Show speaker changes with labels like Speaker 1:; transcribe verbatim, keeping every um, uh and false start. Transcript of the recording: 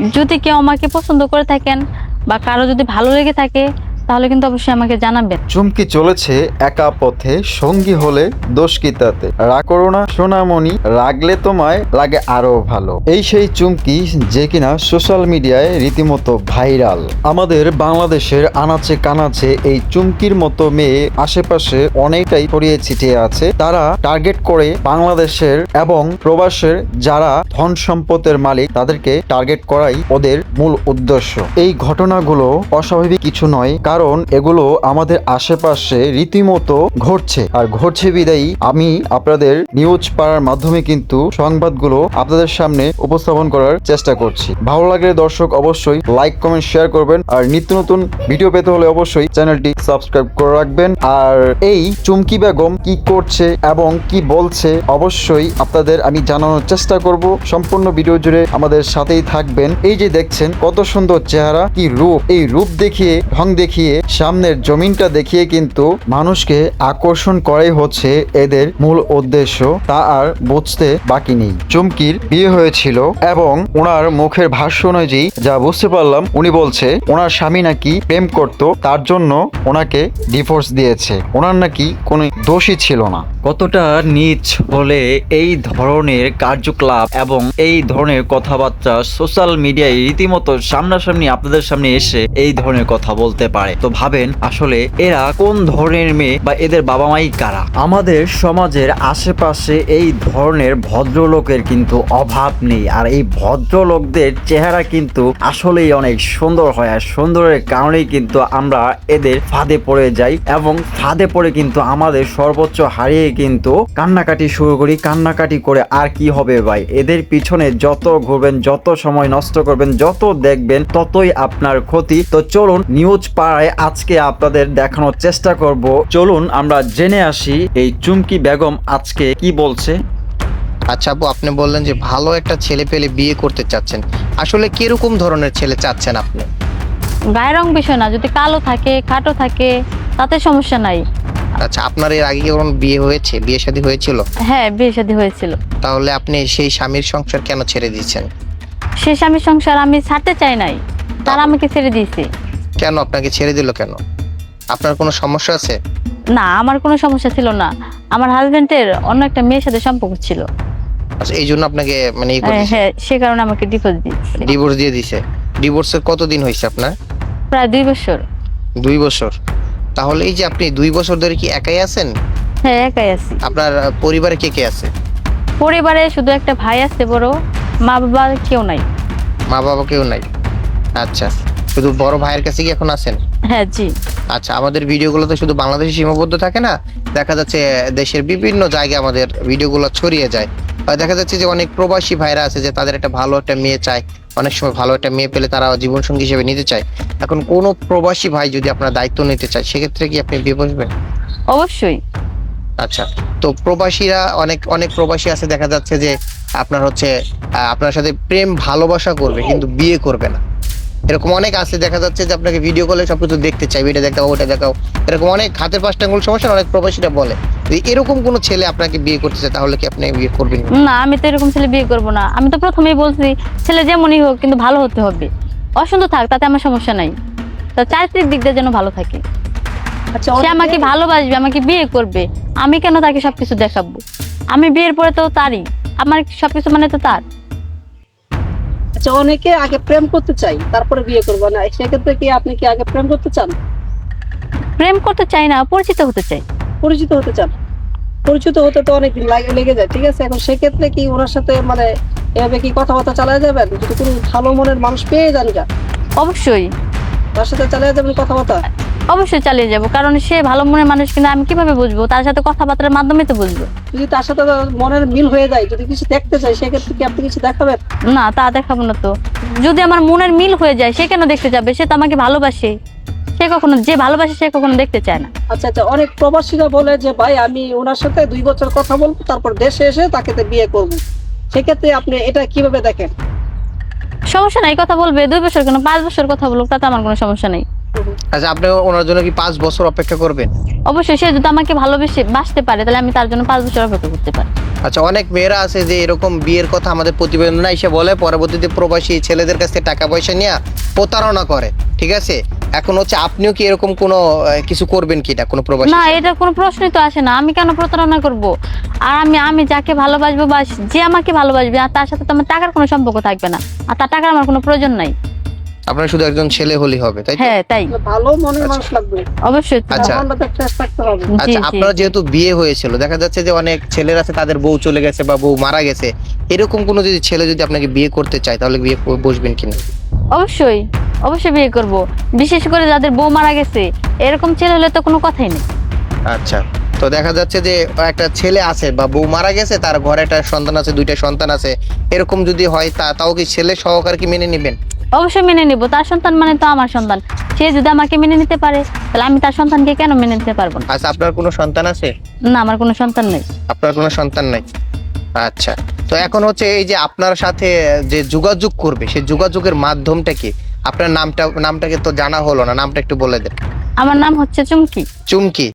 Speaker 1: যদি কেউ আমাকে পছন্দ করে থাকেন বা কারো যদি ভালো লেগে থাকে তাহলে কিন্তু অবশ্যই আমাকে জানাবেন।
Speaker 2: চুমকি চলেছে একা পথে, সঙ্গী হলে দোষ কি তাতে? রাগ করো না সোনামণি, রাগলে তোমায় লাগে আরো ভালো। এই সেই চুমকি যে কিনা সোশ্যাল মিডিয়ায় রীতিমতো ভাইরাল। আমাদের বাংলাদেশের আনাচে কানাচে এই চুমকির মতো মেয়ে আশেপাশে অনেকটাই ছড়িয়ে ছিটিয়ে আছে। তারা টার্গেট করে বাংলাদেশের এবং প্রবাসের যারা ধন সম্পদের মালিক তাদেরকে টার্গেট করাই ওদের মূল উদ্দেশ্য। এই ঘটনাগুলো অস্বাভাবিক কিছু নয়, কারণ এগুলো আমাদের আশেপাশে রীতিমতো ঘটছে। আর ঘটছে বিদায়ী আমি আপনাদের নিউজ পাড়ার মাধ্যমে কিন্তু সংবাদগুলো আপনাদের সামনে উপস্থাপন করার চেষ্টা করছি। ভালো লাগলে দর্শক অবশ্যই লাইক কমেন্ট শেয়ার করবেন, আর নিত্য নতুন ভিডিও পেতে হলে অবশ্যই চ্যানেলটি সাবস্ক্রাইব করে রাখবেন। আর এই চুমকি বেগম কি করছে এবং কি বলছে অবশ্যই আপনাদের আমি জানানোর চেষ্টা করব। সম্পূর্ণ ভিডিও জুড়ে আমাদের সাথেই থাকবেন। এই যে দেখছেন কত সুন্দর চেহারা, কি রূপ, এই রূপ দেখিয়ে ঢং দেখিয়ে সামনের জমিনটা দেখিয়ে কিন্তু মানুষকে আকর্ষণ করাই হচ্ছে এদের মূল উদ্দেশ্য, তা আর বুঝতে বাকি নেই। চুমকির বিয়ে হয়েছিল এবং ওনার মুখের ভাষ্য অনুযায়ী যা বুঝতে পারলাম, উনি বলছে ওনার স্বামী নাকি প্রেম করত, তার জন্য ওনাকে ডিভোর্স দিয়েছে, ওনার নাকি কোনো দোষই ছিল না।
Speaker 3: কতটা নীচ হলে এই ধরনের কার্যকলাপ এবং এই ধরনের কথাবার্তা সোশ্যাল মিডিয়ায় রীতিমতো সামনাসামনি আপনাদের সামনে এসে এই ধরনের কথা বলতে পারে? তো ভাবেন আসলে এরা কোন ধরনের মেয়ে বা এদের বাবা মাই কারা? আমাদের সমাজের আশেপাশে এই ধরনের ভদ্রলোকের কিন্তু অভাব নেই, আর এই ভদ্রলোকদের চেহারা কিন্তু আসলেই অনেক সুন্দর হয়, আর সুন্দরের কারণেই কিন্তু আমরা এদের ফাঁদে পড়ে যাই এবং ফাঁদে পড়ে কিন্তু আমাদের সর্বোচ্চ হারিয়ে কিন্তু কান্নাকাটি শুরু করি। কান্নাকাটি করে আর কি হবে ভাই, এদের পিছনে যত ঘুরবেন, যত সময় নষ্ট করবেন, যত দেখবেন ততই আপনার ক্ষতি। তো চলুন নিউজ পাড়ায় আজকে আপনাদের দেখানোর চেষ্টা করব। চলুন আমরা জেনে আসি এই চুমকি বেগম আজকে কি বলছে।
Speaker 4: আচ্ছা আপু, আপনি বললেন যে ভালো একটা ছেলে পেলে বিয়ে করতে চাচ্ছেন, আসলে কিরকম ধরনের ছেলে চাচ্ছেন আপনি?
Speaker 1: গায়ের রং বিষয় না, যদি কালো থাকে খাটো থাকে তাতে সমস্যা নাই।
Speaker 4: আচ্ছা, আপনার এর আগে কোনো বিয়ে হয়েছে, বিয়ে শাদী হয়েছিল?
Speaker 1: হ্যাঁ, বিয়ে শাদী হয়েছিল।
Speaker 4: তাহলে আপনি সেই স্বামীর সংসার কেন ছেড়ে দিয়েছেন?
Speaker 1: সে স্বামীর সংসার আমি ছাড়তে চাই নাই, তারা আমাকে ছেড়ে দিয়েছে।
Speaker 4: কেন আপনাকে ছেড়ে দিল কেন? আপনার কোনো সমস্যা আছে?
Speaker 1: না, আমার কোনো সমস্যা ছিল না, আমার হাজবেন্ডের অন্য একটা মেয়ের সাথে সম্পর্ক ছিল।
Speaker 4: আচ্ছা, এই জন্য আপনাকে মানে এই
Speaker 1: হ্যাঁ হ্যাঁ, সে কারণে আমাকে ডিভোর্স দিয়েছে।
Speaker 4: ডিভোর্স দিয়ে দিয়েছে? ডিভোর্সের কতদিন হয়েছে আপনার?
Speaker 1: প্রায় দুই বছর।
Speaker 4: দুই বছর? তাহলে এই যে আপনি দুই বছর ধরে কি একাই আছেন?
Speaker 1: হ্যাঁ, একাই আছি।
Speaker 4: আপনার পরিবারে কে কে আছে?
Speaker 1: পরিবারে শুধু একটা ভাই আছে বড়, মা বাবা কেউ নাই।
Speaker 4: মা বাবা কেউ নাই? আচ্ছা, শুধু বড় ভাইয়ের কাছে কি এখন আছেন?
Speaker 1: হ্যাঁ জি।
Speaker 4: আচ্ছা, আমাদের ভিডিওগুলো তো শুধু বাংলাদেশে সীমাবদ্ধ থাকে না, দেখা যাচ্ছে দেশের বিভিন্ন জায়গায় আমাদের ভিডিওগুলো ছড়িয়ে যায়। আর দেখা যাচ্ছে যে অনেক প্রবাসী ভাইরা আছে যে তাদের একটা ভালো একটা মেয়ে চায়, অনেক সময় ভালো একটা মেয়ে পেলে তারা জীবনসঙ্গী হিসেবে নিতে চায়। এখন কোনো প্রবাসী ভাই যদি আপনার দায়িত্ব নিতে চায়, সেক্ষেত্রে কি আপনি বিয়ে বসবেন?
Speaker 1: অবশ্যই।
Speaker 4: আচ্ছা, তো প্রবাসীরা অনেক অনেক প্রবাসী আছে, দেখা যাচ্ছে যে আপনার হচ্ছে আহ, আপনার সাথে প্রেম ভালোবাসা করবে কিন্তু বিয়ে করবে না, এরকম অনেক আছে। দেখা যাচ্ছে যে আপনাকে ভিডিও কলে সবকিছু দেখতে চাই, এটা দেখাও ওটা দেখাও, এরকম অনেক হাতের পাঁচটা আঙুল সমস্যা অনেক প্রবাসীরা বলে। যদি এরকম কোনো ছেলে আপনাকে বিয়ে করতে চায় তাহলে কি আপনি বিয়ে করবেন?
Speaker 1: না, আমি তো এরকম ছেলে বিয়ে করবো না। আমি তো প্রথমেই বলছি ছেলে যেমনই হোক কিন্তু ভালো হতে হবে, অসুন্দর থাক তাতে আমার সমস্যা নাই, তো চারিত্রিক দিক দিয়ে যেন ভালো থাকে।
Speaker 5: আচ্ছা,
Speaker 1: সে আমাকে ভালোবাসবে, আমাকে বিয়ে করবে, আমি কেন তাকে সবকিছু দেখাবো? আমি বিয়ের পরে তো তারই, আমার সবকিছু মানে তো তার।
Speaker 5: আচ্ছা, অনেকে আগে প্রেম করতে চাই তারপরে বিয়ে করবো না, সেক্ষেত্রে কি আপনি কি আগে প্রেম করতে চান?
Speaker 1: প্রেম করতে চাই না, পরিচিত হতে চাই।
Speaker 5: পরিচিত হতে চান? পরিচিত হতে তো অনেকদিন লাগে লেগে যায়, ঠিক আছে। এখন সেক্ষেত্রে কি ওনার সাথে মানে এভাবে কি কথাবার্তা চালিয়ে যাবেন? যদি কোনো ভালো মনের মানুষ পেয়ে যান যা,
Speaker 1: অবশ্যই
Speaker 5: তার সাথে চালিয়ে যাবেন কথাবার্তা?
Speaker 1: অবশ্যই চালিয়ে যাব, কারণ সে ভালো মনের মানুষ কিনা আমি কিভাবে বুঝবো? তার সাথে কথাবার্তার মাধ্যমে তো বুঝবো।
Speaker 5: যদি তার সাথে মনের মিল হয়ে যায়, যদি কিছু দেখতে চাই, সেক্ষেত্রে কি আপনি কিছু দেখাবেন?
Speaker 1: না, তা দেখাবো না তো। যদি আমার মনের মিল হয়ে যায় সে কেন দেখতে যাবে? সে তো আমাকে ভালোবাসে, সে কখনো, যে ভালোবাসে সে কখনো দেখতে চায় না।
Speaker 5: আচ্ছা আচ্ছা, অনেক প্রবাসীরা বলে যে ভাই আমি ওনার সাথে দুই বছর কথা বলবো, তারপর দেশে এসে তাকে তো বিয়ে করবো, সেক্ষেত্রে আপনি এটা কিভাবে দেখেন?
Speaker 1: সমস্যা নাই, কথা বলবে, দুই বছর কেন পাঁচ বছর কথা বলুক, তাতে আমার কোনো সমস্যা নেই।
Speaker 4: আচ্ছা, আপনি ওনার জন্য কি পাঁচ বছর অপেক্ষা করবেন?
Speaker 1: অবশ্যই, সে যদি আমাকে ভালোবেসে বাসতে পারে তাহলে আমি তার জন্য পাঁচ বছর অপেক্ষা করতে পারি।
Speaker 4: আচ্ছা, অনেক মেয়েরা আছে যে এরকম বিয়ের কথা আমাদের প্রতিবেদনে এসে বলে, পরবর্তীতে প্রবাসী ছেলেদের কাছ থেকে টাকা পয়সা নিয়ে প্রতারণা করে, ঠিক আছে? এখন হচ্ছে আপনিও কি এরকম কোনো আহ, কিছু করবেন কি, এটা কোনো প্রবাসী?
Speaker 1: না, এটা কোনো প্রশ্নই তো আসে না। আমি কেন প্রতারণা করব? আর আমি আমি যাকে ভালোবাসবো বা যে আমাকে ভালোবাসবে, আর তার সাথে তো আমার টাকার কোনো সম্পর্ক থাকবে না, আর তার টাকার আমার কোনো প্রয়োজন নাই।
Speaker 4: আপনার শুধু একজন ছেলে হলেই হবে, তাই তো?
Speaker 1: হ্যাঁ, তাই
Speaker 5: ভালো মনের মানুষ লাগবে,
Speaker 1: অবশ্যই।
Speaker 4: আচ্ছা।
Speaker 5: মনটা ফ্রেশ থাকতে হবে।
Speaker 1: জি,
Speaker 4: আচ্ছা,
Speaker 1: জি।
Speaker 4: আপনার যেহেতু বিয়ে হয়েছিল, দেখা যাচ্ছে যে অনেক ছেলের আছে তাদের বউ চলে গেছে বা বউ মারা গেছে, এরকম কোনো যদি ছেলে যদি আপনাকে বিয়ে করতে চায় তাহলে বিয়ে করে বসবেন কিনা?
Speaker 1: অবশ্যই অবশ্যই বিয়ে করব। বিশেষ করে যাদের বউ মারা গেছে, এরকম ছেলে হলে তো কোনো কথাই নেই।
Speaker 4: আচ্ছা, তো দেখা যাচ্ছে যে একটা ছেলে আছে বা বউ মারা গেছে, তার ঘরে একটা সন্তান আছে, দুইটা সন্তান আছে, এরকম যদি হয় তা তাও কি ছেলে সহকারে কি মেনে নেবেন?
Speaker 1: অবশ্যই মেনে নিব। তার সন্তান মানে তো আমার সন্তান। সে যদি আমাকে মেনে নিতে পারে, তাহলে আমি তার সন্তানকে কেন মেনে নিতে পারবো না?
Speaker 4: আচ্ছা, আপনার কোনো সন্তান আছে?
Speaker 1: না, আমার কোনো সন্তান নেই।
Speaker 4: আপনার কোনো সন্তান নাই। আচ্ছা, তো এখন হচ্ছে এই যে আপনার সাথে যে যোগাযোগ করবে, সেই যোগাযোগের মাধ্যমটা কি? আপনার নামটা নামটাকে তো জানা হলো না, নামটা একটু বলে দেন।
Speaker 1: আমার নাম হচ্ছে চুমকি।
Speaker 4: চুমকি।